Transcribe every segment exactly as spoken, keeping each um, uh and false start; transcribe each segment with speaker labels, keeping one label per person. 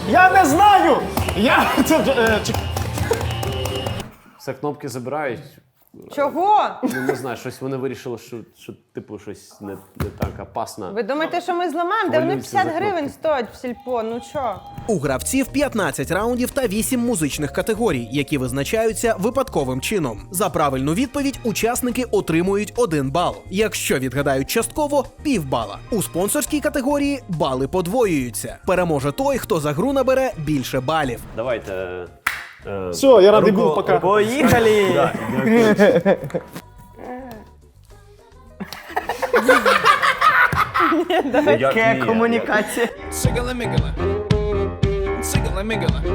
Speaker 1: Я не знаю! Я... Це, е, чек-
Speaker 2: Все кнопки забирають.
Speaker 3: Чого?
Speaker 2: Ну, не знаю, щось вони вирішили, що, що типу, щось не, не так опасно.
Speaker 3: Ви думаєте, що ми зламаємо? Де вони
Speaker 2: Хвилюються
Speaker 3: п'ятдесят
Speaker 2: за
Speaker 3: гривень
Speaker 2: кнопки.
Speaker 3: стоять в сільпо, ну чо?
Speaker 4: У гравців п'ятнадцять раундів та вісім музичних категорій, які визначаються випадковим чином. За правильну відповідь учасники отримують один бал. Якщо відгадають частково – півбала. У спонсорській категорії бали подвоюються. Переможе той, хто за гру набере більше балів.
Speaker 2: Давайте. Е,
Speaker 1: Все, я радий
Speaker 2: руко-
Speaker 1: був, пока.
Speaker 5: Поїхали!
Speaker 2: Да, дякую. Як
Speaker 5: Яка
Speaker 2: ні,
Speaker 5: комунікація.
Speaker 6: Sigala-migala. Sigala-migala.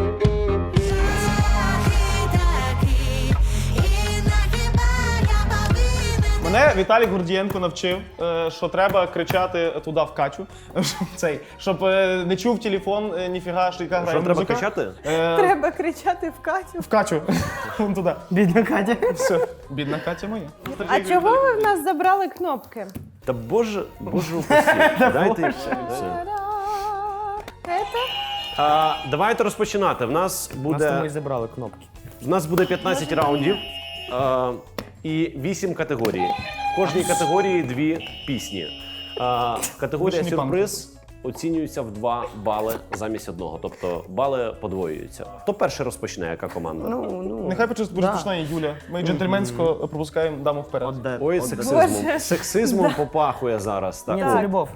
Speaker 1: Мене Віталій Гордієнко навчив, е, що треба кричати туди в Катю, щоб цей, щоб е, не чув телефон, е, ніфіга, що яка грає
Speaker 2: Що треба
Speaker 1: музика.
Speaker 2: кричати?
Speaker 1: Е,
Speaker 3: Треба кричати в Катю.
Speaker 1: В Катю. Вон туди.
Speaker 5: Бідна Катя.
Speaker 1: Все. Бідна Катя моя.
Speaker 3: А чого ви в нас забрали кнопки?
Speaker 2: Та боже, боже упаси. Дайте їх все. все.
Speaker 3: Это?
Speaker 2: А, давайте розпочинати. В нас
Speaker 5: Нас тому і
Speaker 2: буде,
Speaker 5: забрали кнопки.
Speaker 2: в нас буде п'ятнадцять раундів а, і вісім категорій. В кожній категорії дві пісні. А, категорія
Speaker 1: Вишні панки.
Speaker 2: сюрприз оцінюється в два бали замість одного. Тобто бали подвоюються. Хто перший розпочне, яка команда?
Speaker 5: Ну, ну.
Speaker 1: Нехай почи- розпочинає Юля. Ми джентльменсько пропускаємо даму вперед.
Speaker 5: Отде-
Speaker 2: Ой,
Speaker 5: отде-
Speaker 2: сексизмом.
Speaker 3: Боже.
Speaker 2: Сексизмом попахує зараз. Так.
Speaker 5: Ні,
Speaker 2: О,
Speaker 5: це любов.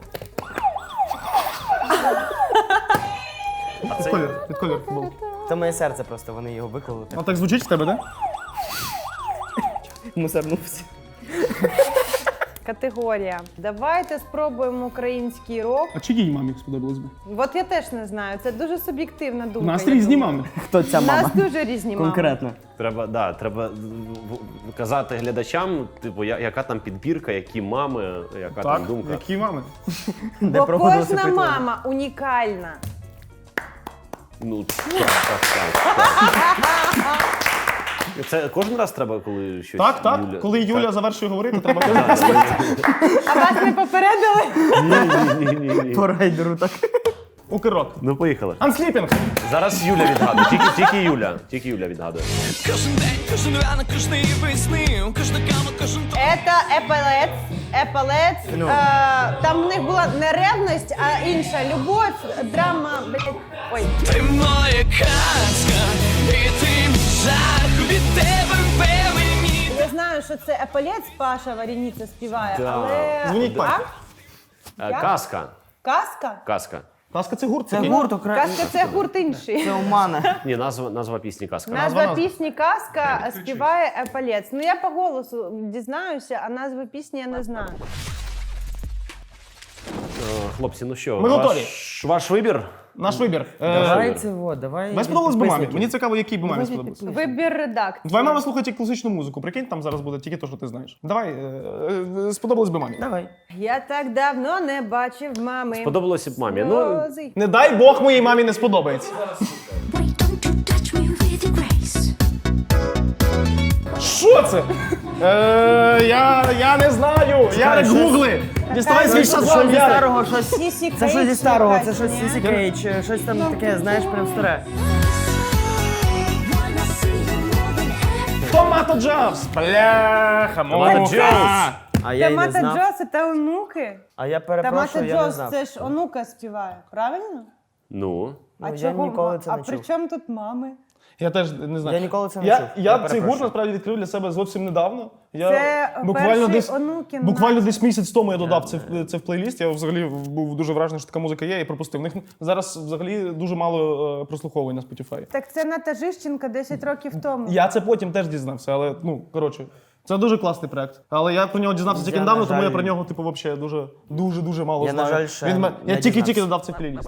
Speaker 1: Під колір, під колір футбол.
Speaker 5: Це моє серце просто, вони його виклали.
Speaker 1: А так звучить в тебе, да?
Speaker 5: Мусорнувся.
Speaker 3: Категорія. Давайте спробуємо український рок.
Speaker 1: А чиїй мамі сподобалось би?
Speaker 3: От я теж не знаю, це дуже суб'єктивна думка.
Speaker 1: У нас
Speaker 3: я
Speaker 1: різні
Speaker 3: думаю.
Speaker 1: мами.
Speaker 5: Хто ця
Speaker 3: У
Speaker 5: мама?
Speaker 3: нас дуже різні мами.
Speaker 5: Конкретно.
Speaker 2: Треба, да, треба в- в- казати глядачам, типу, я- яка там підбірка, які мами, яка
Speaker 1: Так,
Speaker 2: там думка.
Speaker 1: які мами?
Speaker 5: Де
Speaker 3: Бо
Speaker 5: проводилося
Speaker 3: кожна
Speaker 5: опитування.
Speaker 3: мама унікальна.
Speaker 2: Ну, так, так, так. так. Це кожен раз треба, коли щось.
Speaker 1: Так, так.
Speaker 2: Юля...
Speaker 1: Коли Юля
Speaker 2: Так.
Speaker 1: завершує говорити, треба казати.
Speaker 3: А вас не попередили?
Speaker 2: Ні, ні, ні, ні, ні.
Speaker 5: По райдеру так.
Speaker 1: Укрок.
Speaker 2: Ну, поїхали.
Speaker 1: Ансліпінг.
Speaker 2: Зараз Юля відгадує. Тільки, тільки Юля. Тільки Юля відгадує.
Speaker 6: Кожен день, кожен ранок, кожної весни, кожна кава, кожен то.
Speaker 3: Це Епалец. Епалец.
Speaker 5: Ну.
Speaker 3: Е, там в них була не ревність, а інша любов, драма, блядь. Ой.
Speaker 6: Ти моя казка, і ти мій жах, від тебе впевнені.
Speaker 3: Я знаю, що це Епалець, Паша Варініця співає,
Speaker 2: Да.
Speaker 3: але...
Speaker 1: Дзвоніть
Speaker 3: А?
Speaker 1: папі.
Speaker 2: Е,
Speaker 3: Як?
Speaker 2: Казка.
Speaker 3: Казка?
Speaker 2: Казка.
Speaker 1: Ласка, це гурт.
Speaker 5: Це
Speaker 1: такий.
Speaker 5: гурт Україна.
Speaker 3: Казка це гурт інший.
Speaker 5: Це у мене.
Speaker 2: Ні, назва, назва пісні казка.
Speaker 3: Назва
Speaker 1: назва.
Speaker 3: пісні Казка співає Епалець. Ну я по голосу дізнаюся, а назви пісні я не знаю.
Speaker 2: Е, Хлопці, ну що,
Speaker 1: Ми
Speaker 2: ваш,
Speaker 1: готові.
Speaker 2: ваш вибір?
Speaker 1: Наш вибір. Е,
Speaker 5: Давай це вот, давай.
Speaker 1: Мені сподобалось би мамі.
Speaker 5: підписників.
Speaker 1: Мені цікаво, якій би мамі сподобалось.
Speaker 3: Вибір редакції.
Speaker 1: Твоя мама слухає тільки класичну музику. Прикинь, там зараз буде тільки те, що ти знаєш. Давай, е, е, сподобалось би мамі.
Speaker 5: Давай.
Speaker 3: Я так давно не бачив мами.
Speaker 2: Сподобалося б мамі. Ну,
Speaker 3: Сльози.
Speaker 1: Не дай Бог моїй мамі не сподобається.
Speaker 7: Wait, don't you touch me with your grace.
Speaker 1: Що це? Е, я, я не знаю. Ярик,
Speaker 5: щось-
Speaker 1: гугли. Діставай свій
Speaker 5: Щось
Speaker 1: шазам,
Speaker 5: зі
Speaker 1: Ярик.
Speaker 5: старого, щось.
Speaker 3: Сісі
Speaker 5: Це щось зі
Speaker 3: Кейдж
Speaker 5: старого,
Speaker 3: якась,
Speaker 5: це щось
Speaker 3: ні?
Speaker 5: Сісі Кейдж, щось там таке, знаєш, прям старе.
Speaker 7: Wanna see you more than ever.
Speaker 1: Томато Джавс. Бляха,
Speaker 2: Томато
Speaker 1: муха.
Speaker 2: Джавс.
Speaker 5: А я й не
Speaker 3: Томата
Speaker 5: знав.
Speaker 3: Джос це онуки.
Speaker 5: А я
Speaker 3: Томата
Speaker 5: перепрошую, я не
Speaker 3: Джос
Speaker 5: знав.
Speaker 3: це ж онука співає, правильно?
Speaker 2: ну.
Speaker 3: А
Speaker 5: Ну, я ніколи це
Speaker 3: а
Speaker 5: не
Speaker 3: при
Speaker 5: чув.
Speaker 3: чому тут мами?
Speaker 1: Я теж не знаю.
Speaker 5: Я ніколи це не
Speaker 1: я,
Speaker 5: чув.
Speaker 1: Я,
Speaker 5: Я
Speaker 1: цей
Speaker 5: перепрошую.
Speaker 1: гурт насправді відкрив для себе зовсім недавно. Я
Speaker 3: Це
Speaker 1: буквально
Speaker 3: перший
Speaker 1: десь,
Speaker 3: онукін
Speaker 1: буквально
Speaker 3: наш.
Speaker 1: десь місяць тому я додав це, в- це в плейліст. Я взагалі був дуже вражений, що така музика є, і пропустив. В них зараз взагалі дуже мало е, прослуховувань на Spotify.
Speaker 3: Так це Ната Жищенка десять років тому.
Speaker 1: Я це потім теж дізнався, але ну коротше. Це дуже класний проект. Але я про нього дізнався тільки
Speaker 5: Я,
Speaker 1: недавно,
Speaker 5: на
Speaker 1: тому я
Speaker 5: жаль-
Speaker 1: про нього, типу, взагалі дуже дуже дуже мало
Speaker 5: Я, на
Speaker 1: знаю.
Speaker 5: жаль, ще
Speaker 1: Він ме-
Speaker 5: не
Speaker 1: я тільки-тільки
Speaker 5: дізнався.
Speaker 1: додав цей плейліст.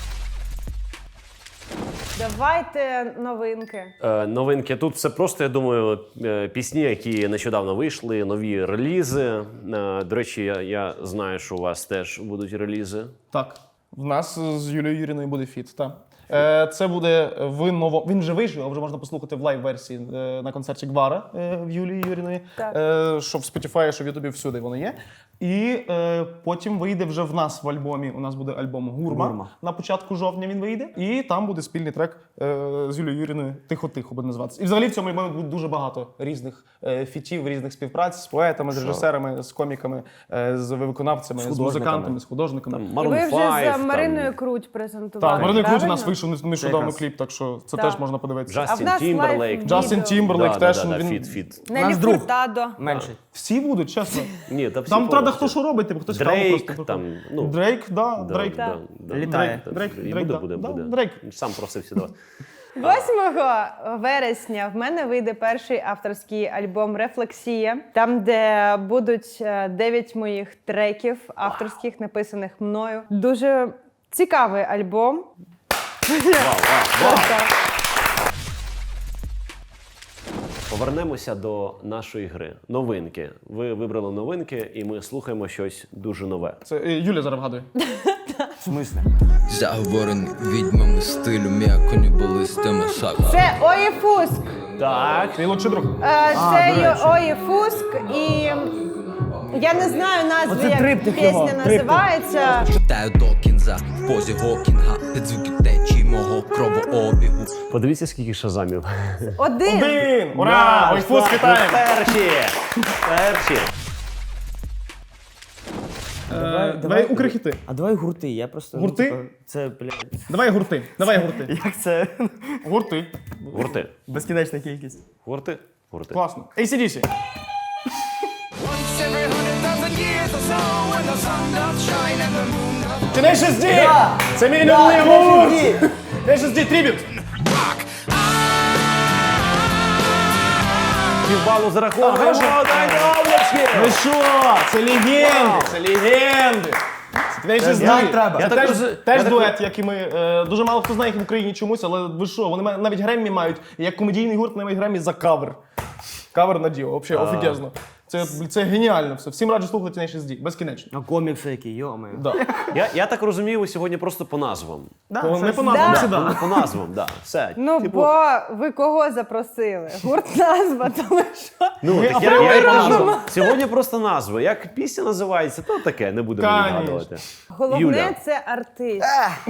Speaker 3: Давайте новинки.
Speaker 2: Е, новинки. Тут все просто, я думаю, е, пісні, які нещодавно вийшли, нові релізи. Е, До речі, я, я знаю, що у вас теж будуть релізи.
Speaker 1: Так, в нас з Юлією Юріною буде фіт. Та. Е, Це буде в ново. Він вже вийшов, а вже можна послухати в лайв-версії е, на концерті Гвара е, в Юлії Юріної.
Speaker 3: Так.
Speaker 1: Е, Що в Spotify, що в Ютубі, всюди воно є. І е, потім вийде вже в нас в альбомі. У нас буде альбом Гурма.
Speaker 5: Гурма.
Speaker 1: На початку жовтня він вийде. І там буде спільний трек е, з Юлією Юріною «Тихо-тихо» буде називатися. І взагалі в цьому альбомі буде дуже багато різних е, фітів, різних співпраць з поетами, з режисерами, з коміками, е, з виконавцями, з,
Speaker 5: художниками.
Speaker 1: музикантами, з художниками.
Speaker 2: Там
Speaker 3: І
Speaker 2: Maroon
Speaker 3: ви вже
Speaker 2: п'ять,
Speaker 3: з
Speaker 2: там
Speaker 3: Мариною Круть презентували.
Speaker 1: Так, Марина Круть у
Speaker 3: правильно?
Speaker 1: нас вийшов нещодавно
Speaker 5: якраз.
Speaker 1: кліп, так що це
Speaker 3: Так.
Speaker 1: теж можна подивитися.
Speaker 3: А в
Speaker 2: Джастін
Speaker 3: нас
Speaker 2: Тімберлейк.
Speaker 3: лайв-відео.
Speaker 1: Джастін Тімберлейк
Speaker 2: Да,
Speaker 1: теж
Speaker 2: да, да,
Speaker 1: він.
Speaker 2: фіт, фіт.
Speaker 3: Нелі
Speaker 5: Наш друг.
Speaker 3: Фуртадо.
Speaker 5: Менший.
Speaker 1: Всі будуть, чесно.
Speaker 2: Ні, та всі
Speaker 1: Там правда
Speaker 2: повністю.
Speaker 1: хто що робить, типу, хтось
Speaker 2: Дрейк,
Speaker 1: просто
Speaker 2: там, ну,
Speaker 1: Дрейк, да,
Speaker 2: Да,
Speaker 1: Дрейк.
Speaker 2: да, да.
Speaker 5: Літає.
Speaker 1: Дрейк,
Speaker 2: І
Speaker 1: Дрейк,
Speaker 2: буде,
Speaker 1: да.
Speaker 2: буде,
Speaker 1: Да,
Speaker 2: буде.
Speaker 1: Дрейк.
Speaker 2: Сам просився до вас.
Speaker 3: восьмого вересня в мене вийде перший авторський альбом «Рефлексія», там, де будуть е, дев'ять моїх треків авторських, написаних мною. Дуже цікавий альбом.
Speaker 2: Вау, вау, вау. Повернемося до нашої гри. Новинки. Ви вибрали новинки, і ми слухаємо щось дуже нове.
Speaker 1: Це е, Юля зараз вгадує.
Speaker 5: В смислі?
Speaker 6: Заговорений відьмами стилю, м'яко не були з тими шага.
Speaker 3: Це Ої Фуск.
Speaker 2: Так.
Speaker 1: Твій лучший друг.
Speaker 3: Е, Це
Speaker 5: до речі.
Speaker 3: Ої Фуск, і я не знаю назви,
Speaker 5: Оце
Speaker 3: як
Speaker 5: триптих його,
Speaker 3: пісня
Speaker 5: триптих.
Speaker 3: називається.
Speaker 6: Читаю до кінця в позі Гокінга, під звуки течії мого кровообігу.
Speaker 2: Подивіться, скільки шазамів.
Speaker 3: Один.
Speaker 1: Один! Ура! Ой, фус, вітаємо!
Speaker 2: Перші! Перші!
Speaker 1: Е, Давай укрихіти.
Speaker 5: А давай гурти, я просто... ну,
Speaker 1: Гурти?
Speaker 5: типу, Це, блядь,
Speaker 1: Давай гурти. Давай гурти.
Speaker 5: як це?
Speaker 1: Гурти.
Speaker 2: Гурти.
Speaker 5: Безкінечна кількість.
Speaker 2: Гурти. Гурти.
Speaker 1: Класно. ей сі ді сі. Tenacious D! Це мій улюблений гурт! Tenacious D, трибют!
Speaker 2: Півбалу зараховуємо. Дай облачки!
Speaker 1: Ну що? Це легенди! Це легенди! Це Tenacious
Speaker 5: Як
Speaker 1: D.
Speaker 5: треба.
Speaker 1: Це
Speaker 2: Я
Speaker 1: теж,
Speaker 2: так роз-
Speaker 1: теж
Speaker 2: я так-
Speaker 1: дует, як і ми. Е, Дуже мало хто знає їх в Україні чомусь, але ви що, вони ма- навіть Греммі мають. І як комедійний гурт навіть Греммі за кавер. Кавер на діо, взагалі офігезно. Це, це геніально все. Всім раджу слухати Tenacious D, безкінечно.
Speaker 5: А комікси які, йо-моє.
Speaker 1: Да.
Speaker 2: Я, я так розумію, ви сьогодні просто по назвам.
Speaker 1: По- Ми по
Speaker 3: Да.
Speaker 1: назвам
Speaker 2: Да,
Speaker 1: сюди.
Speaker 2: по, по назвам, да. Все.
Speaker 3: Ну,
Speaker 2: Типу,
Speaker 3: бо ви кого запросили? Гурт назва, тому що.
Speaker 2: ну,
Speaker 1: ми
Speaker 2: так я,
Speaker 1: апріорі
Speaker 2: я і кажу,
Speaker 1: разом.
Speaker 2: сьогодні просто назви. Як пісня називається, то таке, не будемо
Speaker 1: Конечно.
Speaker 2: відгадувати.
Speaker 3: Головне
Speaker 2: Юля.
Speaker 3: це артист.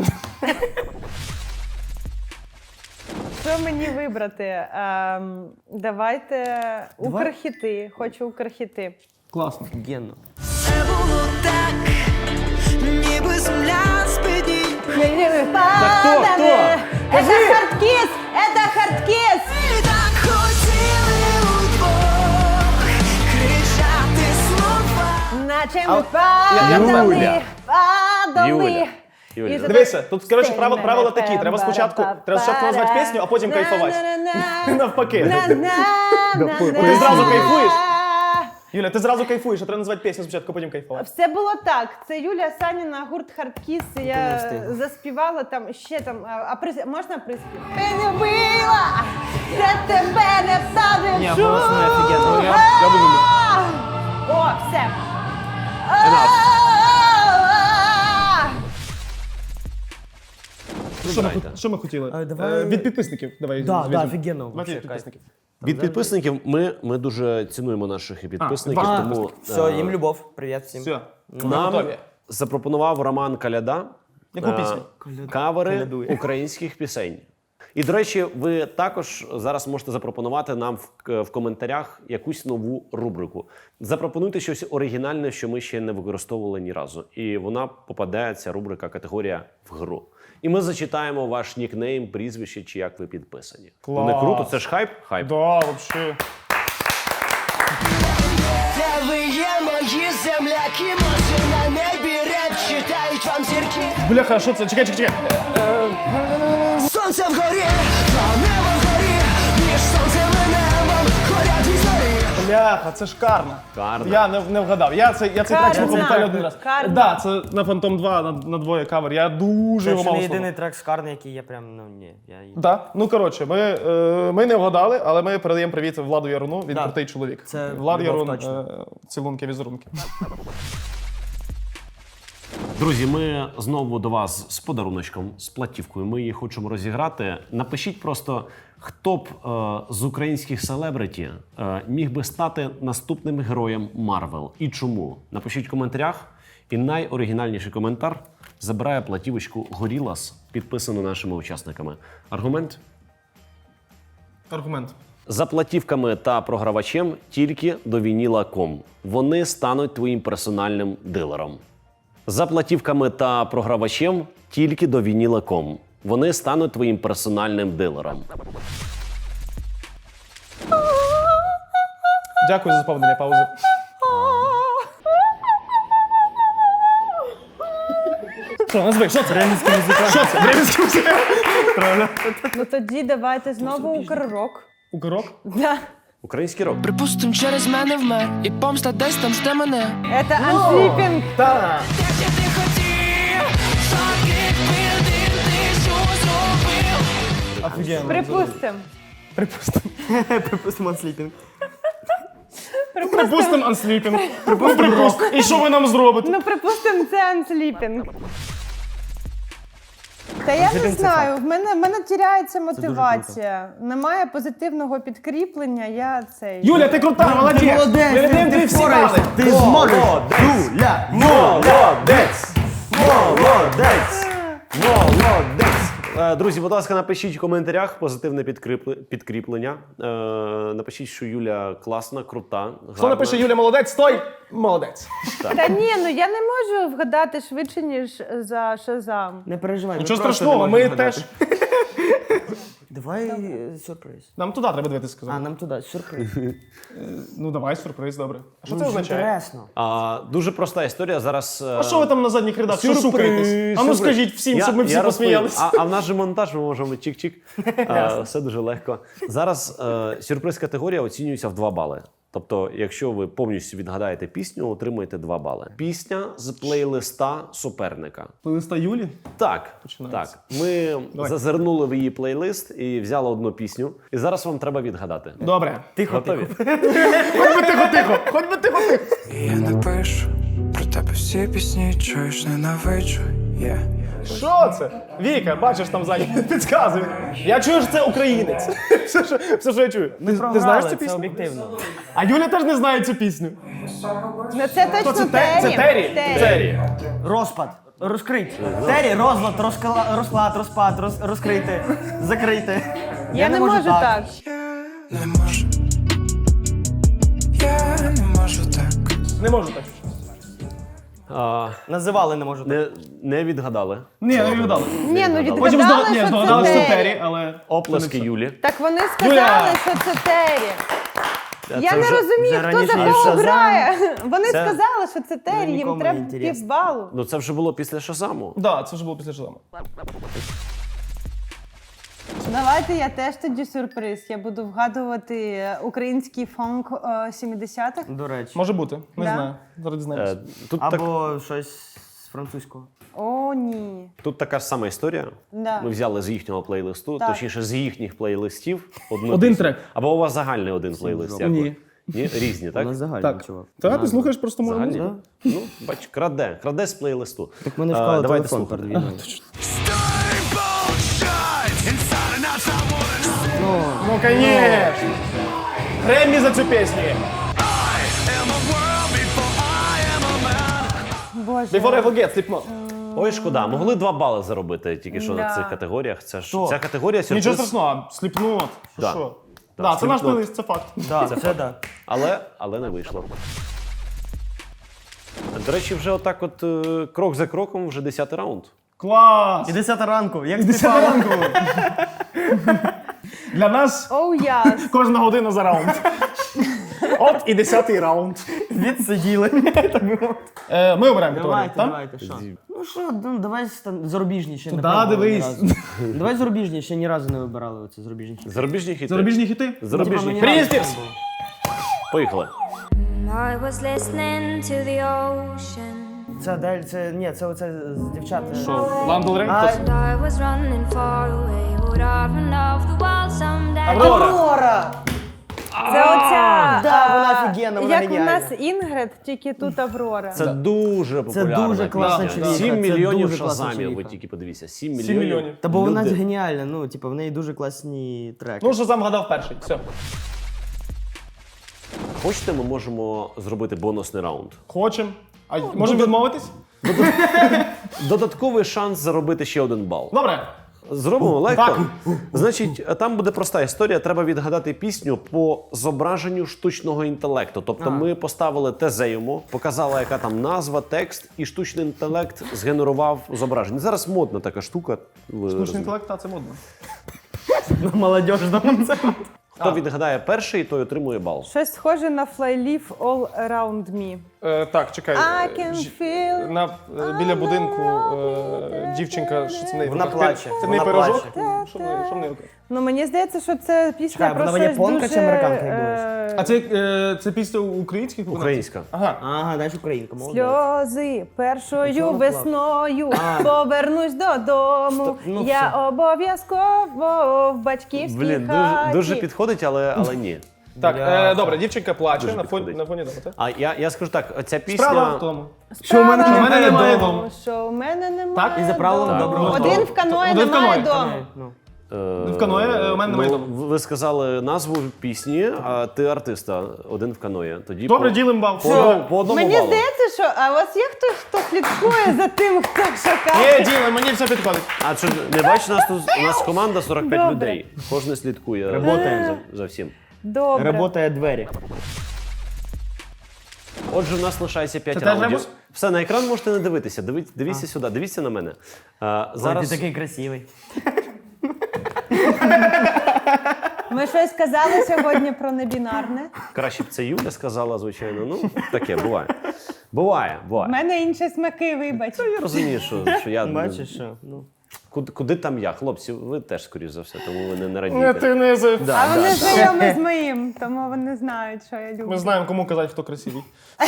Speaker 3: Що мені вибрати? Ем, давайте укрхіти. Хочу укрхіти.
Speaker 1: Класно.
Speaker 5: Генно.
Speaker 6: Це було так, ніби земля з-під
Speaker 3: Хто?
Speaker 1: хто?
Speaker 3: Это хардкіс! Это хардкіс!
Speaker 6: І так хотіли удвох кричати слова.
Speaker 3: Наче ми падали,
Speaker 2: Юля.
Speaker 3: падали.
Speaker 2: Юля. Юля.
Speaker 3: І
Speaker 1: Дивися, тут, коротше,
Speaker 3: Стей
Speaker 1: правила,
Speaker 3: мене
Speaker 1: правила такі. Треба спочатку, треба спочатку назвати пісню, а потім кайфувати.
Speaker 3: На-на-на-на.
Speaker 1: Навпаки.
Speaker 3: На-на-на-на.
Speaker 1: Ти зразу кайфуєш? Юля, ти зразу кайфуєш, а треба назвати пісню спочатку, а потім кайфувати.
Speaker 3: Все було так. Це Юлія Саніна, гурт Хардкіс. Я
Speaker 5: не встигла.
Speaker 3: заспівала там ще там. А, а прис... можна приспів? Ти не била, я тебе не ставлю.
Speaker 5: Ні, голосно офігенно.
Speaker 1: Я, я дуже люблю.
Speaker 3: О, все.
Speaker 1: Що ми,
Speaker 2: Вибирайте.
Speaker 1: хот- що ми хотіли?
Speaker 5: А, давай-
Speaker 1: Е, Від підписників. Давай.
Speaker 5: Да,
Speaker 1: візьмемо.
Speaker 5: да, офігенно,
Speaker 1: Давайте
Speaker 5: вообще,
Speaker 1: від підписників.
Speaker 2: Від підписників ми, ми дуже цінуємо наших і підписників,
Speaker 1: А,
Speaker 2: тому
Speaker 5: Все,
Speaker 2: е,
Speaker 5: їм любов. Привіт всім.
Speaker 1: Все.
Speaker 2: нам
Speaker 1: готові.
Speaker 2: запропонував Роман Каляда
Speaker 1: Яку
Speaker 2: е,
Speaker 1: пісню?
Speaker 2: кавери
Speaker 5: Калядує.
Speaker 2: українських пісень. І, до речі, ви також зараз можете запропонувати нам в, в коментарях якусь нову рубрику. Запропонуйте щось оригінальне, що ми ще не використовували ні разу. І вона попадає, ця рубрика, категорія в гру. І ми зачитаємо ваш нікнейм, прізвище чи як ви підписані.
Speaker 1: Клас.
Speaker 2: Не круто, це ж хайп? Хайп.
Speaker 1: Да, вообще.
Speaker 6: Де ви є, мої земляки, може на небі реп читають вам зірки.
Speaker 1: Бляха, а що це? Чекай, чекай, чекай.
Speaker 6: Сонце вгорі, то небо вгорі, між сонцем і небом горять дві зорі.
Speaker 1: Бляха, це ж Карна.
Speaker 2: Карна.
Speaker 1: Я не, не вгадав. Я, це, я цей трек
Speaker 3: Карна.
Speaker 1: слухав буквально один раз.
Speaker 3: Карна.
Speaker 1: Да, це на Фантом два, на, на двоє кавер. Я дуже
Speaker 5: Це
Speaker 1: його
Speaker 5: ще
Speaker 1: мало
Speaker 5: не
Speaker 1: слухав.
Speaker 5: єдиний трек з Карни, який я прям, ну ні. Я...
Speaker 1: Да. Ну, коротше, ми, е, ми не вгадали, але ми передаємо привіт Владу Яруну, він
Speaker 5: Да.
Speaker 1: крутий чоловік.
Speaker 5: Це
Speaker 1: Влад
Speaker 5: любов
Speaker 1: Ярун,
Speaker 5: точно.
Speaker 1: е, цілунки, візерунки.
Speaker 2: Друзі, ми знову до вас з подаруночком, з платівкою. Ми її хочемо розіграти. Напишіть просто, хто б е, з українських селебриті е, міг би стати наступним героєм Марвел і чому. Напишіть в коментарях. І найоригінальніший коментар забирає платівочку Gorillaz, підписану нашими учасниками. Аргумент?
Speaker 1: Аргумент.
Speaker 2: За платівками та програвачем тільки до вініла точка ком. Вони стануть твоїм персональним дилером. За платівками та програвачем тільки до вініла точка ком. Вони стануть твоїм персональним дилером.
Speaker 1: Дякую за заповнення паузи. Що, назви, що це? Бременський музикант. Що це? Бременський музикант. Правильно.
Speaker 3: Ну тоді давайте знову укррок.
Speaker 1: Укрок?
Speaker 3: Да.
Speaker 2: Український рок.
Speaker 8: Припустим, через мене вмер, і помста десь там жде мене.
Speaker 3: Это Unsleeping.
Speaker 1: Так. Офігенно.
Speaker 3: Припустим.
Speaker 1: Припустимо.
Speaker 5: Припустимо сліпінг.
Speaker 1: Припустимо Unsleeping. Припустимо рок. І що ви нам зробите?
Speaker 3: Ну, припустим, це Unsleeping. Та я не знаю, в мене, в мене тіряється мотивація. Немає позитивного підкріплення, я цей...
Speaker 1: Юля, ти крута, молодець.
Speaker 5: молодець,
Speaker 1: Ми віддаємо
Speaker 5: ти
Speaker 1: тобі всі
Speaker 5: впораєшся,
Speaker 1: бали.
Speaker 5: ти зможеш. Юля,
Speaker 2: Молодець! Молодець! Молодець! Е, Друзі, будь ласка, напишіть в коментарях позитивне підкріпле- підкріплення. Е, Напишіть, що Юля класна, крута, гарна.
Speaker 1: Хто напише Юля молодець, той молодець.
Speaker 3: Та ні, ну я не можу вгадати швидше, ніж за Шазам.
Speaker 5: не переживай.
Speaker 1: Нічого
Speaker 5: ми просто
Speaker 1: страшного,
Speaker 5: не
Speaker 1: ми
Speaker 5: можемо
Speaker 1: теж.
Speaker 5: вгадати. Давай е, сюрприз.
Speaker 1: Нам туди треба дивитися,
Speaker 5: А,
Speaker 1: сказав.
Speaker 5: нам туди, сюрприз.
Speaker 1: Ну давай, сюрприз, добре. А що це
Speaker 5: Дуже
Speaker 1: означає?
Speaker 5: інтересно.
Speaker 2: А, дуже проста історія. Зараз. е,
Speaker 1: А що ви там на задніх рядах? Що шукаєтесь? А ну
Speaker 2: сюрприз.
Speaker 1: скажіть всім,
Speaker 2: Я-
Speaker 1: щоб ми всі
Speaker 2: я розповім.
Speaker 1: посміялися.
Speaker 2: А, а в нас же монтаж, ми можемо чик-чик. А, все дуже легко. Зараз е, сюрприз категорія оцінюється в два бали. Тобто, якщо ви повністю відгадаєте пісню, отримаєте два бали. Пісня з плейлиста суперника.
Speaker 1: Плейлиста Юлі?
Speaker 2: Так,
Speaker 1: Починається.
Speaker 2: так. Ми
Speaker 1: Давай.
Speaker 2: зазирнули в її плейлист і взяли одну пісню. І зараз вам треба відгадати.
Speaker 1: Добре.
Speaker 5: Тихо,
Speaker 2: Готові?
Speaker 1: Хоч би тихо-тихо, хоч би тихо-тихо.
Speaker 8: Я напишу про тебе всі пісні, чуєш, ненавиджу. Yeah.
Speaker 1: Що це? Віка, бачиш там ззаді, підказує. Я чую, що це українець. Все, що, все, що я чую. Ти, ти знаєш цю
Speaker 5: це
Speaker 1: пісню?
Speaker 5: об'єктивно.
Speaker 1: А Юля теж не знає цю пісню.
Speaker 3: Ну це
Speaker 1: Хто
Speaker 3: точно
Speaker 1: це? Те- Це Террі? Террі.
Speaker 5: Розпад. Розкрить. Тері, розлад, розкла- розклад, розпад, роз, розкрити, закрити.
Speaker 3: Я не можу так.
Speaker 8: Не можу. Я не можу так.
Speaker 1: Не можу так.
Speaker 2: А,
Speaker 5: Називали не можу так.
Speaker 2: не, не відгадали.
Speaker 1: Ні, не відгадали.
Speaker 3: Ні, ну
Speaker 1: Потім
Speaker 3: відгадали,
Speaker 1: здогад... Ні,
Speaker 3: що
Speaker 1: здогадали,
Speaker 3: це
Speaker 1: що це
Speaker 3: Террі.
Speaker 1: Террі, але...
Speaker 2: Оплески Юлі.
Speaker 3: Так вони сказали,
Speaker 1: Юля!
Speaker 3: що це Террі. Я
Speaker 2: Це
Speaker 3: не
Speaker 2: вже-
Speaker 3: розумію,
Speaker 5: вже
Speaker 3: хто за
Speaker 5: раніше
Speaker 3: кого
Speaker 5: Шазам.
Speaker 3: грає. Вони
Speaker 2: Це-
Speaker 3: сказали, що це Террі, їм
Speaker 5: нікому
Speaker 3: треба
Speaker 5: не інтересно.
Speaker 3: півбалу.
Speaker 2: Ну це вже було після Шазаму.
Speaker 1: Так, да, це вже було після Шазаму.
Speaker 3: Давайте я теж тоді сюрприз. Я буду вгадувати український фонк е, сімдесятих.
Speaker 5: До речі.
Speaker 1: Може бути, не
Speaker 3: Да.
Speaker 1: знаю. Зараз дізнаємося.
Speaker 2: Е, тут, так,
Speaker 5: Або щось з французького.
Speaker 3: О, ні.
Speaker 2: тут така ж сама історія.
Speaker 3: Да.
Speaker 2: Ми взяли з їхнього плейлисту,
Speaker 3: Так.
Speaker 2: точніше з їхніх плейлистів одну
Speaker 1: Один
Speaker 2: пісню.
Speaker 1: трек.
Speaker 2: Або у вас загальний один плейлист. як ви?
Speaker 1: Ні.
Speaker 2: Ні, різні,
Speaker 5: У
Speaker 2: так?
Speaker 5: нас загальний,
Speaker 1: Так.
Speaker 5: чувак.
Speaker 1: Та ти слухаєш просто мою
Speaker 2: Загальні?
Speaker 1: музику.
Speaker 2: Ну, бач, краде, краде з плейлисту.
Speaker 5: Так ми не
Speaker 2: Е,
Speaker 5: вклали
Speaker 2: давайте
Speaker 5: телефон
Speaker 2: слухати.
Speaker 5: перед війною.
Speaker 1: Ну, конечно. Греммі за цю пісню.
Speaker 3: Боже.
Speaker 1: Before I forget, Slipknot.
Speaker 2: Ой, шкода, могли два бали заробити тільки що на
Speaker 3: Да.
Speaker 2: цих категоріях. Це ж
Speaker 5: Хто?
Speaker 2: ця категорія сюрприз.
Speaker 1: Нічого страшного, Slipknot. Що,
Speaker 2: Да.
Speaker 1: що?
Speaker 2: Да,
Speaker 1: Да, це наш
Speaker 2: Slipknot.
Speaker 1: плейлист, це факт.
Speaker 5: Да, це да.
Speaker 2: Але, але не вийшло. До речі, вже отак от е, крок за кроком, вже десятий раунд.
Speaker 1: Клас!
Speaker 5: І десята ранку, як
Speaker 1: Десята ранку. Для нас
Speaker 3: Оу, яс.
Speaker 1: кожна година за раунд. От і десятий раунд.
Speaker 5: відсиділи.
Speaker 1: Е, ми обираємо категорію,
Speaker 5: Давайте,
Speaker 1: так?
Speaker 5: давайте, що? Ну що, ну давай стан- зарубіжні ще не
Speaker 1: Туди
Speaker 5: пробували ні
Speaker 1: дивись.
Speaker 5: разу. Давай зарубіжні, ще ні разу не вибирали оці зарубіжні.
Speaker 2: Зарубіжні хіти.
Speaker 1: Зарубіжні хіти?
Speaker 2: Зарубіжні
Speaker 5: Типа,
Speaker 2: хіти.
Speaker 5: мені
Speaker 1: Брітні
Speaker 5: разу
Speaker 1: Спірс.
Speaker 5: не було.
Speaker 2: Поїхали.
Speaker 7: I was listening to the ocean,
Speaker 5: Це Адель, це, ні, це оце з дівчат.
Speaker 1: Ландл Рей?
Speaker 5: А,
Speaker 7: and I was running far away. Would I run off the world someday?
Speaker 1: Аврора.
Speaker 5: Аврора!
Speaker 3: Це оця.
Speaker 5: да,
Speaker 3: а,
Speaker 5: вона офігенна, вона
Speaker 3: Як у
Speaker 5: геніальна.
Speaker 3: нас Інгрид, тільки тут Аврора.
Speaker 2: Це дуже популярна
Speaker 5: дуже класна
Speaker 2: пісня.
Speaker 5: чоловіка,
Speaker 2: Сім
Speaker 5: це
Speaker 2: мільйонів
Speaker 5: дуже класна
Speaker 2: шазамів, ви
Speaker 5: чоловіка.
Speaker 2: тільки подивіться. Сім
Speaker 1: Сім
Speaker 2: мільйонів.
Speaker 1: мільйонів.
Speaker 5: Та бо вона
Speaker 2: Люди-
Speaker 5: геніальна, ну, типу, в неї дуже класні треки.
Speaker 1: Ну, Шазам гадав перший. Все.
Speaker 2: Хочете, ми можемо зробити бонусний раунд.
Speaker 1: Хочем. А можемо відмовитись?
Speaker 2: Додатковий шанс заробити ще один бал.
Speaker 1: Добре.
Speaker 2: Зробимо легко.
Speaker 1: Так.
Speaker 2: Значить, там буде проста історія. Треба відгадати пісню по зображенню штучного інтелекту. Тобто ми поставили тезе йому, показали, яка там назва, текст, і штучний інтелект згенерував зображення. Зараз модна така штука. ви
Speaker 1: Штучний
Speaker 2: розумієте.
Speaker 1: інтелект, а це модно.
Speaker 5: Молодіжному це.
Speaker 2: Хто відгадає перший, той отримує бал.
Speaker 3: Щось схоже на Flyleaf All Around Me.
Speaker 1: Е, так, чекай.
Speaker 3: I
Speaker 1: Е,
Speaker 3: can
Speaker 1: ж-
Speaker 3: feel
Speaker 1: На, е, біля будинку е, дівчинка, що це в неї?
Speaker 5: Вона
Speaker 1: в руках?
Speaker 5: плаче,
Speaker 1: Це в неї
Speaker 5: вона
Speaker 1: пирожок?
Speaker 5: плаче.
Speaker 1: Що в неї? Що в неї? в руках?
Speaker 3: Ну, мені здається, що це пісня
Speaker 5: Чекай,
Speaker 3: про
Speaker 5: вона
Speaker 3: щось
Speaker 5: японка
Speaker 3: дуже...
Speaker 5: чи американка, як
Speaker 3: е,
Speaker 1: А це, е, це після українських виконавців?
Speaker 2: Українська.
Speaker 1: Ага.
Speaker 5: Ага, знаєш, українка, молодець.
Speaker 3: Сльози першою
Speaker 5: Чого вона
Speaker 3: весною
Speaker 5: А.
Speaker 3: повернусь додому.
Speaker 5: Сто- ну,
Speaker 3: Я
Speaker 5: все.
Speaker 3: обов'язково в батьківській
Speaker 2: Блін,
Speaker 3: хаті.
Speaker 2: дуже, дуже підходить, але, але ні.
Speaker 1: Так,
Speaker 5: Бля.
Speaker 1: е, добре, дівчинка плаче
Speaker 2: Дуже
Speaker 1: на фоні,
Speaker 2: підходить.
Speaker 1: на фоні дома, так?
Speaker 2: А я, я скажу так, ця пісня.
Speaker 1: Справа в тому.
Speaker 5: Що в мене
Speaker 3: Справа
Speaker 1: немає
Speaker 3: в тому,
Speaker 1: дому.
Speaker 3: Що в мене немає
Speaker 1: Так,
Speaker 5: і за правилом
Speaker 3: дому.
Speaker 5: доброго
Speaker 3: Один
Speaker 1: дому.
Speaker 3: в каної
Speaker 1: Один в
Speaker 3: немає
Speaker 1: каної.
Speaker 3: дому.
Speaker 5: Ну.
Speaker 2: Е,
Speaker 1: В каное, е, у мене немає
Speaker 2: ну,
Speaker 1: дому.
Speaker 2: ви сказали назву пісні, а ти артиста, один в каное. Тоді
Speaker 1: Добре,
Speaker 2: по,
Speaker 1: ділим бал.
Speaker 2: по, одному- по одному
Speaker 3: Мені
Speaker 2: балу.
Speaker 3: здається, що а у вас є хтось, хто слідкує за тим, хто шукає?
Speaker 1: Є, ділим, мені все підходить.
Speaker 2: А що не бачиш, нас тут у нас команда сорок п'ять
Speaker 3: Добре.
Speaker 2: людей. Кожен слідкує
Speaker 5: Работаємо.
Speaker 2: за, за всім.
Speaker 3: Добре.
Speaker 5: Работає двері.
Speaker 2: Отже, у нас лишається п'ять
Speaker 1: Це теж
Speaker 2: раундів.
Speaker 1: ребус?
Speaker 2: Все, на екран можете не дивитися. Дивіться, дивіться сюди, дивіться на мене. А,
Speaker 5: Ой,
Speaker 2: зараз
Speaker 5: ти такий красивий.
Speaker 3: Ми щось казали сьогодні про небінарне.
Speaker 2: краще б це Юля сказала, звичайно. Ну, таке буває. Буває,
Speaker 3: У
Speaker 2: буває.
Speaker 3: мене інші смаки, вибач.
Speaker 2: Я розумію, що, що я.
Speaker 5: Бачиш, що? Ну.
Speaker 2: Куди, куди там я? Хлопці, ви теж, скоріш за все, тому ви не, не
Speaker 1: Не,
Speaker 2: радієте.
Speaker 1: ти не з...
Speaker 2: Да,
Speaker 3: А вони
Speaker 2: да.
Speaker 3: знайомі з моїм, тому вони знають, що я люблю.
Speaker 1: Ми знаємо, кому казати, хто красивий.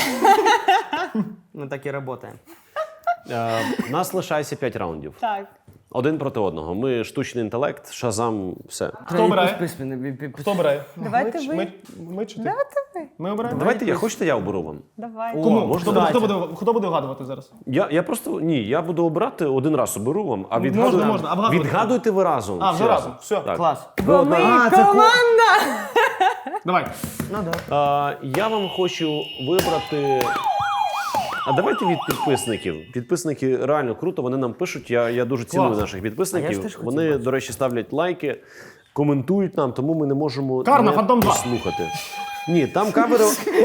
Speaker 5: Ми так і працюємо.
Speaker 2: Е, У нас лишається п'ять раундів.
Speaker 3: Так.
Speaker 2: Один проти одного. Ми штучний інтелект, шазам, все.
Speaker 1: Хто обирає?
Speaker 5: обирає?
Speaker 1: Хто обирає?
Speaker 3: Давайте
Speaker 1: ми, чи-
Speaker 3: ви.
Speaker 1: Ми, ми чи ти?
Speaker 3: Давайте ви.
Speaker 1: Ми обираємо?
Speaker 2: Давайте я, хочете, я оберу вам?
Speaker 3: Давай.
Speaker 1: Кому?
Speaker 2: можна
Speaker 1: хто, буде,
Speaker 2: дати?
Speaker 1: хто, буде, хто буде вгадувати зараз?
Speaker 2: Я, я просто ні, я буду обирати один раз оберу вам, а
Speaker 1: Можна,
Speaker 2: відгадуйте,
Speaker 1: можна, а вгадувати?
Speaker 2: відгадуйте ви разом.
Speaker 1: А,
Speaker 2: всі
Speaker 1: вже разом. Все.
Speaker 2: Так.
Speaker 5: Клас.
Speaker 3: Бо ми
Speaker 5: А, це ко-
Speaker 3: команда!
Speaker 1: Давай.
Speaker 5: Ну да.
Speaker 2: Е, я вам хочу вибрати. А давайте від підписників. Підписники реально круто, вони нам пишуть. Я, я дуже ціную
Speaker 1: Клас.
Speaker 2: наших
Speaker 5: А я
Speaker 2: підписників.
Speaker 5: ж теж хотів
Speaker 2: Вони,
Speaker 5: бачити.
Speaker 2: до речі, ставлять лайки, коментують нам, тому ми не можемо
Speaker 1: Карна,
Speaker 2: не
Speaker 1: Фантом два.
Speaker 2: послухати. Ні, там кавери.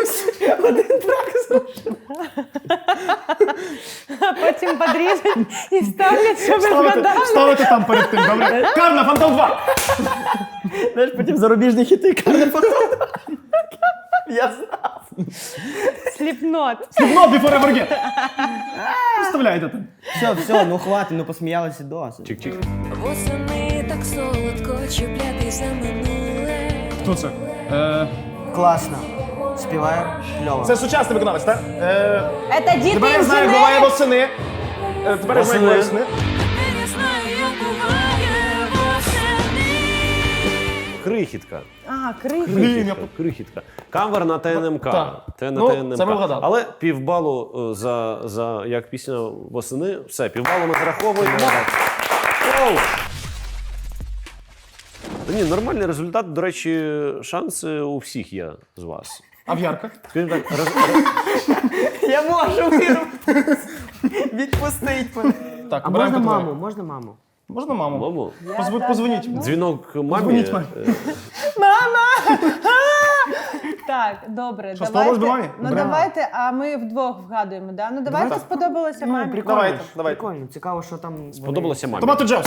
Speaker 3: А потім подріжуть і ставлять, щоб ви
Speaker 1: Ставити,
Speaker 3: згадали.
Speaker 1: ставити там перед тим, добре? Карна, Фантом два!
Speaker 5: Знаєш, потім зарубіжні хіти карне Я знав.
Speaker 3: Сліпнот.
Speaker 1: Not before ever get! Вставляйте там.
Speaker 5: Все, все, ну хватить, ну посміялися досить.
Speaker 2: Чик-чик.
Speaker 7: Восени так солодко чіплятись за минуле.
Speaker 1: Хто це? Е,
Speaker 5: Класно. Співає кльово.
Speaker 1: це сучасний виконавець, так? Е,
Speaker 3: Це діти
Speaker 1: тепер я знаю, як буває восени. Е, тепер я знаю, як буває восени.
Speaker 7: Тепер я знаю, як буває восени.
Speaker 2: Крихітка.
Speaker 3: А, крихи.
Speaker 1: Блін, я...
Speaker 2: Крихітка. Кавер на ТНМК.
Speaker 1: Так.
Speaker 2: Те на
Speaker 1: Ну,
Speaker 2: ТНМК.
Speaker 1: це ми вгадали.
Speaker 2: Але півбалу е, за, за як пісня восени. Все, півбалу ми зараховуємо. Оу! Та ні, нормальний результат. До речі, шанси у всіх є з вас.
Speaker 1: А в ярках?
Speaker 2: Скажімо так, роз, роз,
Speaker 5: Я можу віру. Відпустить мене.
Speaker 1: Так,
Speaker 5: А
Speaker 1: обираємо
Speaker 5: можна
Speaker 1: категорію.
Speaker 5: маму, можна маму?
Speaker 1: Можна маму?
Speaker 2: маму,
Speaker 1: Позв- Позвоніть.
Speaker 2: дзвінок мамі.
Speaker 1: Дзвоніть мамі.
Speaker 2: е,
Speaker 3: Так, добре,
Speaker 1: Що,
Speaker 3: давайте.
Speaker 1: сподобалось би мамі?
Speaker 3: Ну
Speaker 1: Браво.
Speaker 3: давайте, а ми вдвох вгадуємо, да? Ну давайте сподобалося мамі.
Speaker 5: Прикольно.
Speaker 1: Давайте,
Speaker 5: ж,
Speaker 1: давайте.
Speaker 5: Прикольно, цікаво, що там. вони-
Speaker 2: Сподобалося мамі.
Speaker 1: Томато Джевс.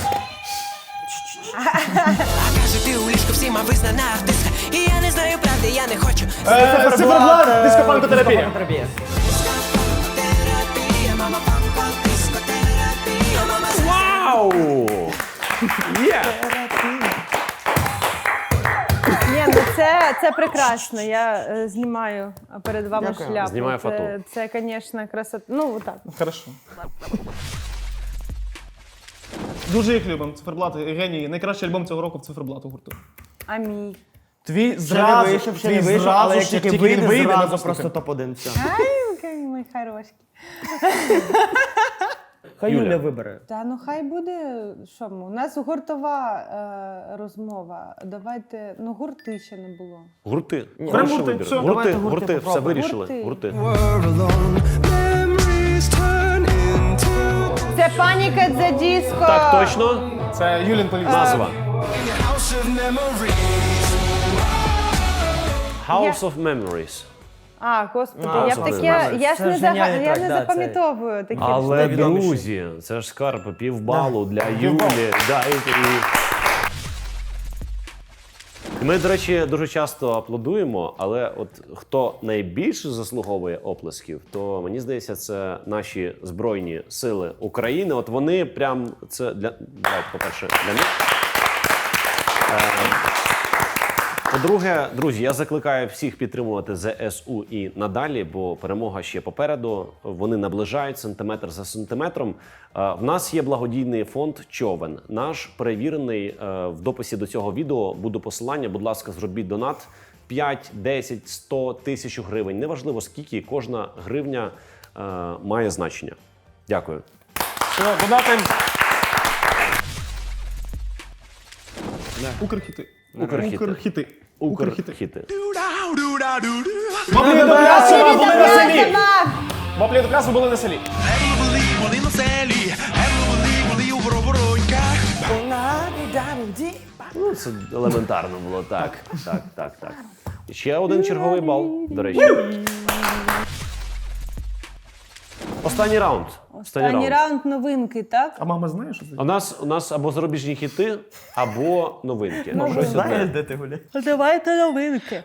Speaker 6: Каже, ти у ліжку всіма визнана артистка. І я не знаю правди, я не хочу.
Speaker 1: Е, Циферблат,
Speaker 5: е,
Speaker 1: дископанкотерапія.
Speaker 5: дископанкотерапія.
Speaker 6: Терапія, мама, папа, дискотерапія, мама.
Speaker 2: Вау! Є!
Speaker 3: Ні, ну це, це прекрасно. Я е, знімаю перед вами
Speaker 5: Дякую.
Speaker 3: шляпу.
Speaker 2: Знімаю фату.
Speaker 3: Це, це, звісно, красота. Ну, так.
Speaker 1: Хорошо. Дуже їх любимо. Циферблати, генії. Найкращий альбом цього року в циферблату гурту.
Speaker 3: А мій.
Speaker 1: Твій
Speaker 5: Ще не
Speaker 1: зразу,
Speaker 5: вийшов, ще
Speaker 1: твій
Speaker 5: не вийшов,
Speaker 1: зразу,
Speaker 5: але як
Speaker 1: ж
Speaker 5: тільки
Speaker 1: він
Speaker 5: вийде,
Speaker 1: вийде,
Speaker 5: зразу
Speaker 1: напустити.
Speaker 5: просто топ один. Все.
Speaker 3: Ай, який мій хороший.
Speaker 5: Хай
Speaker 2: Юля.
Speaker 5: Юля вибере.
Speaker 3: Та ну хай буде, що ми, у нас гуртова е, розмова. Давайте, ну гурти ще не було.
Speaker 2: Гурти.
Speaker 5: Ні,
Speaker 2: Хороший
Speaker 1: гурти,
Speaker 2: вибір.
Speaker 1: все.
Speaker 2: Гурти,
Speaker 5: Давайте
Speaker 2: гурти,
Speaker 5: гурти
Speaker 2: все
Speaker 5: попробуємо.
Speaker 2: вирішили.
Speaker 3: Гурти.
Speaker 2: Гурти.
Speaker 6: We're alone. Memories turn into
Speaker 3: Це Panic at the Disco!
Speaker 2: Так, точно.
Speaker 1: Це Юлін Поліс.
Speaker 2: Назва.
Speaker 6: house of memories.
Speaker 2: House of Memories.
Speaker 3: А, господи,
Speaker 5: А,
Speaker 3: я
Speaker 2: це
Speaker 3: б таке,
Speaker 2: нормально.
Speaker 3: я ж
Speaker 5: Це
Speaker 3: не, зага...
Speaker 5: геніальний
Speaker 3: я
Speaker 5: трек,
Speaker 3: не
Speaker 5: да,
Speaker 3: запам'ятовую такі
Speaker 2: Але,
Speaker 3: штуки.
Speaker 2: друзі, це ж скарб півбалу для Юлі. Да, і, і... Ми, до речі, дуже часто аплодуємо, але от хто найбільше заслуговує оплесків, то мені здається, це наші Збройні Сили України. От вони прям це для давайте, по-перше, для них. Е, По-друге, друзі, я закликаю всіх підтримувати зе ес у і надалі, бо перемога ще попереду. Вони наближають сантиметр за сантиметром. Е, В нас є благодійний фонд «Човен». Наш перевірений е, в дописі до цього відео буде посилання. Будь ласка, зробіть донат п'ять, десять, сто, тисячу гривень. Неважливо скільки, кожна гривня е, має значення. Дякую.
Speaker 1: Все, додати. Укрхіти.
Speaker 2: Укрхіти.
Speaker 1: Укрхіти. Укрхіти.
Speaker 2: Укрхіти.
Speaker 1: Воплі до Красова були на селі.
Speaker 3: Собак!
Speaker 1: Воплі до Красова були на селі.
Speaker 2: Ну, це елементарно було. Так, так, так, так. Ще один черговий бал, до речі. Останній раунд.
Speaker 3: Останній раунд новинки, так?
Speaker 1: А мама знає, що це?
Speaker 2: У нас, у нас або зарубіжні хіти, або новинки.
Speaker 3: Ну,
Speaker 2: Щось
Speaker 5: Знаєш,
Speaker 2: одне.
Speaker 5: де ти гуляєш?
Speaker 3: Давайте новинки.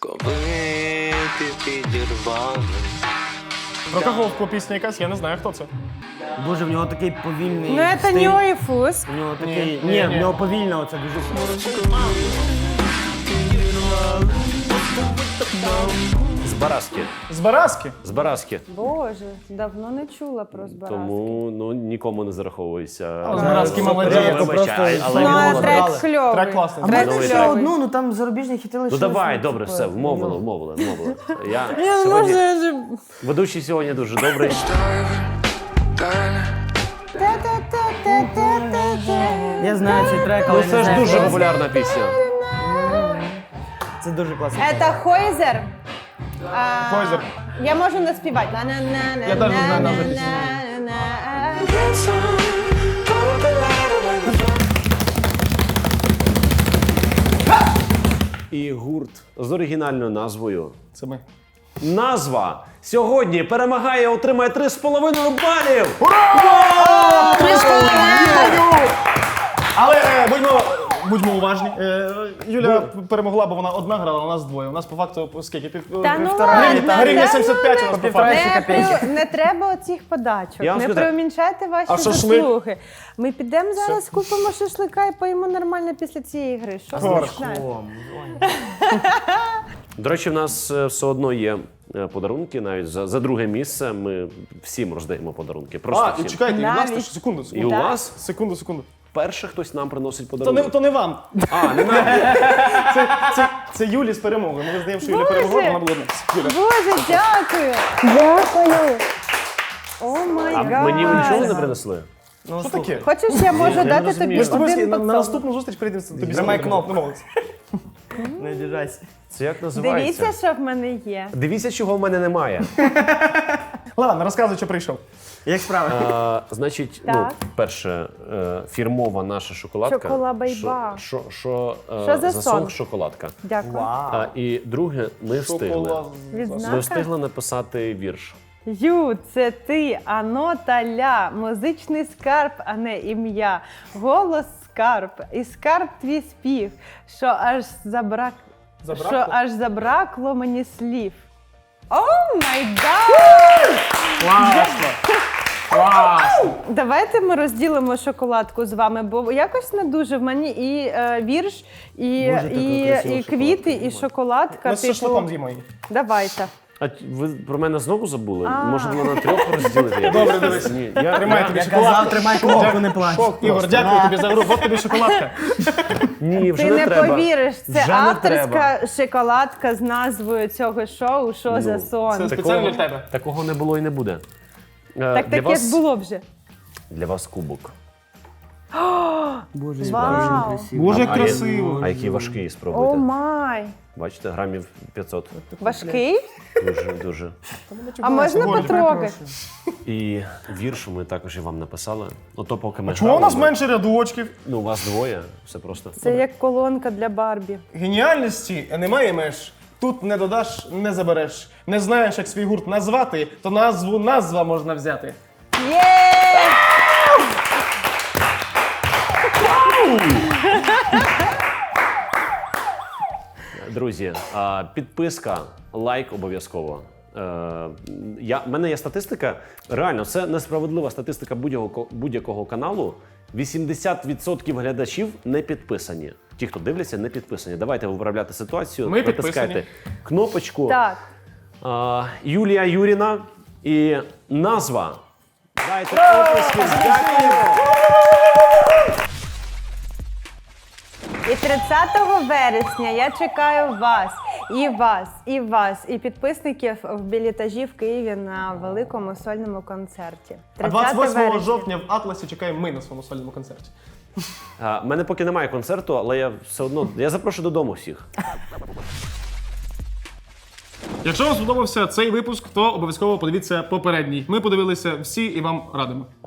Speaker 1: Про кого пісня якась? Я не знаю, хто це.
Speaker 5: Боже, в нього такий повільний
Speaker 3: Ну, це
Speaker 5: стиль.
Speaker 3: Ньо і Фус.
Speaker 5: В нього такий...
Speaker 1: Ні,
Speaker 5: Ні,
Speaker 1: ні.
Speaker 5: в нього повільно оце дуже сильно.
Speaker 2: З Бараски.
Speaker 1: З Бараски?
Speaker 2: З Бараски.
Speaker 3: Боже, давно не чула про Збаразки.
Speaker 2: Тому ну, нікому не зараховується.
Speaker 1: А, з Бараски молодець.
Speaker 2: Вибачай,
Speaker 5: Просто
Speaker 2: але
Speaker 3: Ну,
Speaker 2: він
Speaker 3: а
Speaker 2: молодець.
Speaker 3: трек кльовий.
Speaker 1: Трек класний.
Speaker 5: А
Speaker 3: Трек
Speaker 5: можна
Speaker 2: Новий
Speaker 5: ще
Speaker 2: трек.
Speaker 5: одну, ну там зарубіжні хіти
Speaker 2: Ну
Speaker 5: лишилися.
Speaker 2: давай,
Speaker 5: ну,
Speaker 2: добре,
Speaker 5: типу,
Speaker 2: все, вмовили,
Speaker 5: ну.
Speaker 2: вмовили, вмовили. Я
Speaker 3: Ні, ну,
Speaker 2: сьогодні...
Speaker 3: може,
Speaker 2: Ведучий сьогодні дуже добрий.
Speaker 5: Я знаю цей трек, але
Speaker 2: Ну
Speaker 5: не
Speaker 2: це ж
Speaker 5: знаю,
Speaker 2: дуже
Speaker 5: хто
Speaker 2: популярна пісня.
Speaker 5: Це дуже класний трек.
Speaker 3: Це Хойзер. А,
Speaker 1: Хойзер.
Speaker 3: Я можу не співати. На-на-на-на-на-на-на-на.
Speaker 1: Я теж не знаю назви пісні.
Speaker 2: І гурт з оригінальною назвою.
Speaker 1: Це ми.
Speaker 2: Назва сьогодні перемагає, отримає три з половиною балів.
Speaker 1: Але е, будьмо, будьмо уважні. Е, Юля перемогла, бо вона одна грала, у нас двоє. У нас по факту скільки? Пів,
Speaker 3: Та ну
Speaker 1: півтора
Speaker 3: ладно,
Speaker 1: гривні, та гривня
Speaker 3: та
Speaker 1: сімдесят п'ять у нас по факту.
Speaker 3: Не, при- не треба оцих подачок,
Speaker 2: Я вам
Speaker 3: не
Speaker 2: скажу так.
Speaker 3: преумінчайте ваші
Speaker 1: А шашлик?
Speaker 3: заслуги. Ми підемо зараз, купимо шашлика і поїмо нормально після цієї гри. Що
Speaker 1: Хорошо.
Speaker 3: смачне?
Speaker 5: О, ой.
Speaker 2: До речі, в нас е, все одно є е, подарунки, навіть за, за друге місце. Ми всім роздаємо подарунки. Просто
Speaker 1: А, і
Speaker 2: всім.
Speaker 1: чекайте, і в нас
Speaker 3: Навіть.
Speaker 1: теж, секунду,
Speaker 2: І у
Speaker 1: секунду.
Speaker 2: вас
Speaker 1: Секунду, секунду.
Speaker 2: перше хтось нам приносить
Speaker 1: То не,
Speaker 2: подарунок.
Speaker 1: то не вам.
Speaker 2: А, не нам.
Speaker 1: Це, це, це Юлі з перемогою. Ми визнаємо, що Юля
Speaker 3: Боже!
Speaker 1: перемогла, вона була одна. Юля.
Speaker 3: Боже, дякую! Дякую! О май
Speaker 2: А
Speaker 3: гад!
Speaker 2: мені ви нічого не принесли?
Speaker 5: Ну,
Speaker 1: Що
Speaker 5: слухай.
Speaker 1: таке?
Speaker 3: Хочеш, я можу
Speaker 2: не
Speaker 3: дати
Speaker 2: розумію.
Speaker 3: тобі
Speaker 1: Ми з тобою
Speaker 3: один
Speaker 1: на, на
Speaker 3: поцілунок?
Speaker 1: наступну зустріч прийдемо тобі.
Speaker 5: Нажимай
Speaker 1: сьогодні.
Speaker 5: кнопку.
Speaker 1: Домовились.
Speaker 5: Не обіжайся.
Speaker 2: Це як називається?
Speaker 3: Дивіться, що в мене є.
Speaker 2: Дивіться, чого в мене немає.
Speaker 1: Ладно, розказуй, що прийшов.
Speaker 5: Як справи?
Speaker 2: А, значить, ну,
Speaker 3: Так.
Speaker 2: перше, е, фірмова наша шоколадка.
Speaker 3: Шоколабайба.
Speaker 2: Що, що, що, е,
Speaker 3: Що за
Speaker 2: за
Speaker 3: сон?
Speaker 2: сон шоколадка.
Speaker 3: Дякую.
Speaker 2: А, і друге, ми встигли.
Speaker 1: Шоколад.
Speaker 3: Відзнака?
Speaker 2: Ми встигли написати вірш.
Speaker 3: Ю, це ти, ано та ля, музичний скарб, а не ім'я. Голос скарб, і скарб твій спів, що аж забрак...
Speaker 1: Забракло?
Speaker 3: що аж забракло мені слів. О май гад!
Speaker 1: Класно. Класно.
Speaker 3: Давайте ми розділимо шоколадку з вами, бо якось не дуже в мені і е, вірш, і,
Speaker 5: Боже, така
Speaker 3: і,
Speaker 5: красива
Speaker 3: і квіти, і шоколадка.
Speaker 1: Ми з шашликом з'їмо її.
Speaker 3: Давайте.
Speaker 2: А ви про мене знову забули? Може, воно на трьох розділити? Я
Speaker 1: Добре,
Speaker 2: просто-
Speaker 1: дивись.
Speaker 2: Ні, я,
Speaker 1: Тримай
Speaker 2: я-
Speaker 1: тобі
Speaker 5: Я
Speaker 1: шоколадку.
Speaker 5: казав, тримай кнопку, не плач.
Speaker 1: Шок, Ігор, дякую тобі за гру. Вот тобі шоколадка.
Speaker 2: Ні, вже
Speaker 3: Ти
Speaker 2: не,
Speaker 3: не
Speaker 2: треба.
Speaker 3: повіриш, це
Speaker 2: Вже не
Speaker 3: авторська
Speaker 2: треба.
Speaker 3: шоколадка з назвою цього шоу. Що за сон?
Speaker 1: це спеціально для тебе.
Speaker 2: Такого не було і не буде. Е,
Speaker 3: Так
Speaker 2: для
Speaker 3: таке
Speaker 2: вас,
Speaker 3: ж було вже.
Speaker 2: Для вас кубок.
Speaker 5: Боже,
Speaker 3: Вау!
Speaker 1: Боже, як
Speaker 2: А я-
Speaker 1: красиво.
Speaker 2: А який важкий,
Speaker 3: О
Speaker 2: спробуйте.
Speaker 3: май!
Speaker 2: Бачите, грамів п'ятсот.
Speaker 3: Важкий?
Speaker 2: Дуже, дуже.
Speaker 3: А можна потрогати?
Speaker 2: І вірш ми також і вам написали. Ото поки ми
Speaker 1: Чому у
Speaker 2: грали,
Speaker 1: нас
Speaker 2: ми-
Speaker 1: менше рядочків?
Speaker 2: Ну, у вас двоє, все просто.
Speaker 3: Це як колонка для Барбі.
Speaker 1: Геніальності немає меж. Тут не додаш, не забереш. Не знаєш, як свій гурт назвати, то назву назва можна взяти.
Speaker 3: Є!
Speaker 2: Друзі, а, підписка, лайк обов'язково. Е, Я, в мене є статистика. Реально, це несправедлива статистика будь-якого, будь-якого каналу. вісімдесят відсотків глядачів не підписані. Ті, хто дивляться, не підписані. Давайте виправляти ситуацію.
Speaker 1: Ми
Speaker 2: Натискайте
Speaker 1: підписані.
Speaker 2: кнопочку.
Speaker 3: Так.
Speaker 2: А, Юлія Юріна і назва. Дайте оплески. Дякую.
Speaker 3: І тридцятого вересня я чекаю вас, і вас, і вас, і підписників в білетажі в Києві на великому сольному концерті.
Speaker 1: А двадцять восьмого
Speaker 3: вересня.
Speaker 1: жовтня в Атласі чекаємо ми на своєму сольному концерті.
Speaker 2: А, в мене поки немає концерту, але я все одно я запрошую додому всіх.
Speaker 1: Якщо вам сподобався цей випуск, то обов'язково подивіться попередній. Ми подивилися всі і вам радимо.